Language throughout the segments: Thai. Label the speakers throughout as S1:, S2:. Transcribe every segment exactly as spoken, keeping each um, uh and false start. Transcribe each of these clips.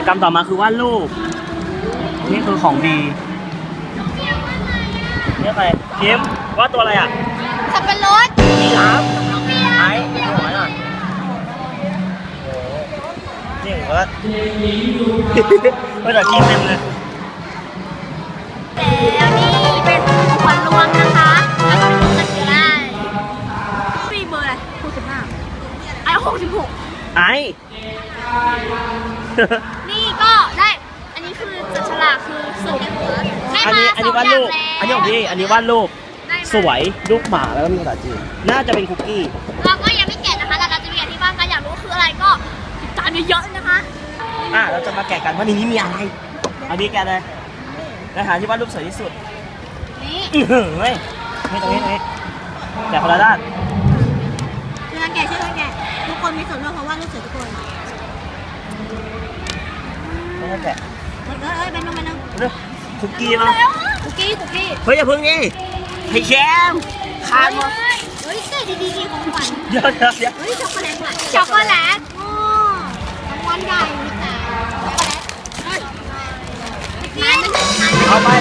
S1: กรรมต่อมาคือวาดรูปนี่คือของดีนี่ใครคิมวาดตัวอะไรอ่ะ
S2: สับปะรด
S1: ยีราฟไอ้หัวหน่อยนี่ผมก็ภาษาจีนเต็มเลย
S2: แล้วนี่เป็นขวัญรวมนะคะแล้วก็เป็นกันคือได้ปีเบอร์อะไรหกสิบห้าไอ้หกสิบหก
S1: ไอ้
S2: นี่ก็ได้อันนี้คือจัดฉลากคือสุดได้มา
S1: อันนี้วาดรูปอันนี้ของพี่อันนี้วาดรูปสวยรูปหมาแล้วก็มีภาษาจีนน่าจะเป็นคุกกี้
S2: เราก็ยังไม่แกะนะคะเราจะมีอธิบายกันอยากรู้คืออะไรก็ติดตามเยอะๆนะคะ
S1: อ่ะเราจะมาแกะกันว่าในนี้มีอะไรเอาดีแกะเลยแล้วหาที่วาดรูปสวยที่สุด
S2: นี่
S1: เฮ้ยนี่ตรงนี้ตรงนี้แกะคนละด้าน
S2: ช่วยกันแกะช่วยกันแกะทุกคนมีส่วนร่วมเพราะว่ารูปสวยทุกคน
S1: ไม่ต้องแกะ
S2: เอ้ยเอ้ยเป็นน้องเป็นน้อง
S1: คุกกี้เนาะ
S2: คุกกี้คุกกี้
S1: เฮ้ยอย่าพึ่งนี่ให้แชมคานมา
S2: เฮ้ยเก๋ดีดีของขวัญ
S1: เดี๋ยวเดี๋ยวเดี๋ยว
S2: เฮ้ยช็อกโกแลตช็อกโกแลตโอ้รางวัลใหญ่แต่
S1: เอาไป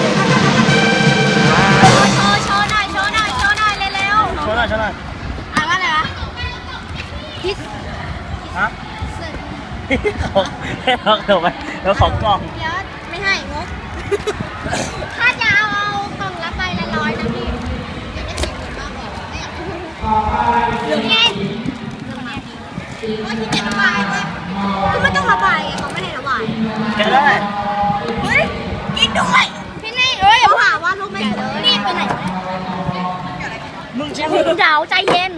S2: โชว์โชว์หน่อยโชว์หน่อยโชว์หน่อยเร็วๆ
S1: โชว์หน่อยโชว์หน่อย
S2: อ่านว่าอะไรวะพิซ
S1: ฮะของให้เราเดี๋ยวไปแล้วของกล่อง
S2: เดี๋ยวไม่ให้งกถ้าจะเอาเอากล่องละใบละร้อยนะพี่อยากได้สิบคนบ้างบอกไม่อยากเหลือไงว่าที่จะระบายเว้ยก็ไม่ต้องระบายเขาไม่ให้ระบาย
S1: แกะได้
S2: เฮ้ยกินด้วยพี่นี่เอ้ยเขาหาว่าลูกไม่นี่ไปไหน
S1: มึงชิม
S2: เดี๋ยวใจเย็น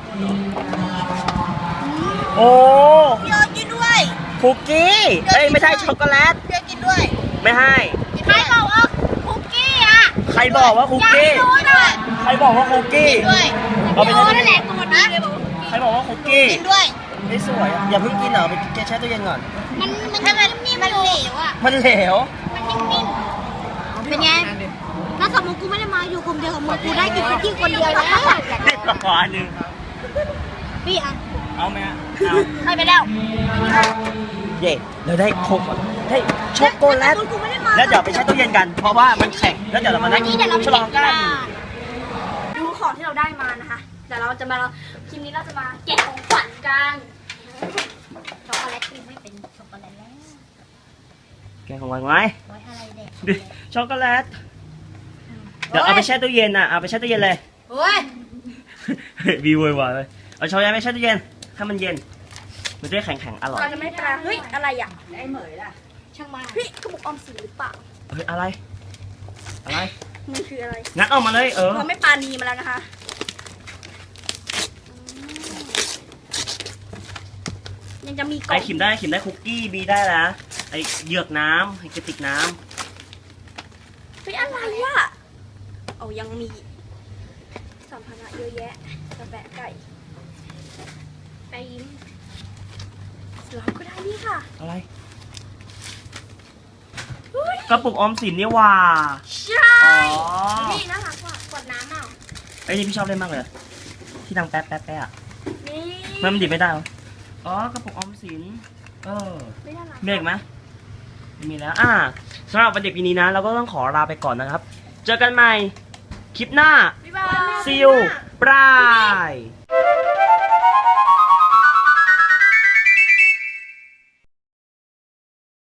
S1: โอ้
S2: พี่เอิร์ธกินด้วย
S1: คุกกี้เอ้ยไม่ใช่ช็อกโกแลต
S2: พี่เอิร์ธกินด้วย
S1: ไม่ให้
S2: ใครบอกว่าคุกกี้อ่ะ
S1: ใครบอกว่าคุกกี้ใครบอกว่าคุกกี้
S2: ด้วยเอาไปนั่นแหละตัวนี้เลยบอก
S1: ใครบอกว่าคุกกี้
S2: กินด้วย
S1: ไม่สวยอย่าเพิ่งกินเหรอไปแกแช่ตู้เย็นก่อน
S2: มันมันนิ่มๆมันเหลวอ่ะ
S1: มันเหลว
S2: มันนิ่มๆเป็นไงถ้าสมมติกูไม่ได้มาอยู่กลุ่มเดียวกับมึงกูได้กินคุกกี้คนเดียวแล้ว
S1: นี่ต่ออันนึง
S2: พี่อ่ะ
S1: เอาไหมเอา
S2: ให้ไปแล้ว
S1: เย่เราได้โคกได้ช็อกโกแลตแล้วเดี๋ยวไปแช่ตู้เย็นกันเพราะว่ามันแข็งแล้วเดี๋ยวเรามานั่งฉลองกัน
S2: ดูของที่เราได้มานะคะเดี๋ยวเราจะมาคลิปนี้เราจะมาแกะของขวัญกันช็อกโกแลตไม่เป็นช็อกโกแลตแล้ว
S1: แกะของขวัญไว้ช็อกโกแลตเดี๋ยวเอาไปแช่ตู้เย็นอ่ะเอาไปแช่ตู้เย็นเลย
S2: โอ้ย
S1: วีวอยวายเลยเอาช็อกโกแลตไปแช่ตู้เย็นถ้ามันเย็นมันจะได้แข็งๆอร่อย
S2: จะไม่ปลาเฮ้ยอะไรอ่ะไอ้เหมยล่ะช่างมาเฮ้ยกระปุกออมสินหรือเปล่า
S1: เฮ้ยอะไรอะไร
S2: มันคืออะไร
S1: งัดออกมาเลยเออ
S2: เขาไม่ปานีมาแล้วนะคะยังจะมีกล่อง
S1: ไอขิมได้ขิมได้คุกกี้บีได้แล้วไอเหยือกน้ำไอกระติกน้
S2: ำเฮ้ยอะไรอ่ะเอายังมีสัมภาระเยอะแยะกระแปะไก่ไปยิ้มเราก็ได้นี่ค่ะ
S1: อะไรกระปุกออมสินนี่ว่า
S2: ใช่นี่น่ารักว่ะกดน้ำเอา
S1: ไอ้นี่พี่ชอบเล่นมากเลยที่ดังแป๊บแป๊บแป๊บอ่ะ
S2: นี่
S1: มันดิบไม่ได้หรออ๋อกระปุกออมสินเออเมกไหมมีแล้วอ่าสำหรับวันเด็กปีนี้นะเราก็ต้องขอลาไปก่อนนะครับเจอกันใหม่คลิปหน้า See you บาย